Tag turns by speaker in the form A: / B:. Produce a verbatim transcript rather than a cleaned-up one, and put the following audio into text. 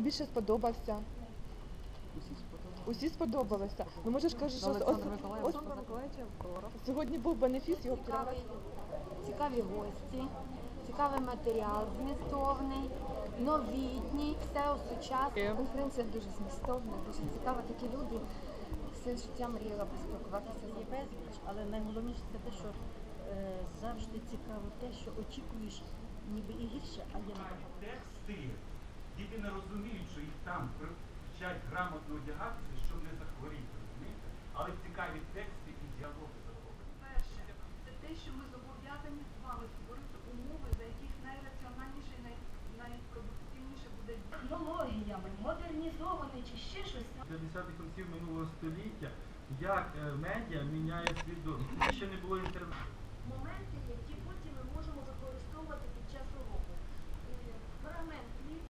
A: найбільше сподобався?
B: Усі сподобалися.
A: Усі сподобалися. Ну може ж кажеш, що
B: Олександр
A: ос-
B: Миколаївич,
A: ос-
B: Олександр Миколаївич автограф.
A: сьогодні був бенефіс, його втирали.
C: Цікавий, цікаві гості, цікавий матеріал змістовний, новітній, все сучасне. Конференція дуже змістовна, дуже цікава. Такі люди все життя мріяла поспілкуватися з
D: Є безліч, але найголовніше це те, що е, завжди цікаво те, що очікуєш ніби і гірше, а є набагато.
E: Тексти, діти не розуміють, що їх там вчать грамотно одягатися, щоб не захворіти, розумієте? Але цікаві тексти і діалоги захоплені.
F: Перше, це те, що ми зобов'язані з вами створити умови, за яких найраціональніше і най- найпродуктивніше буде
G: технологіями, модернізований чи ще щось.
H: п'ятдесятих років минулого століття, як е, медіа міняє свідомість. Ще не було інтернету.
G: Моменти, які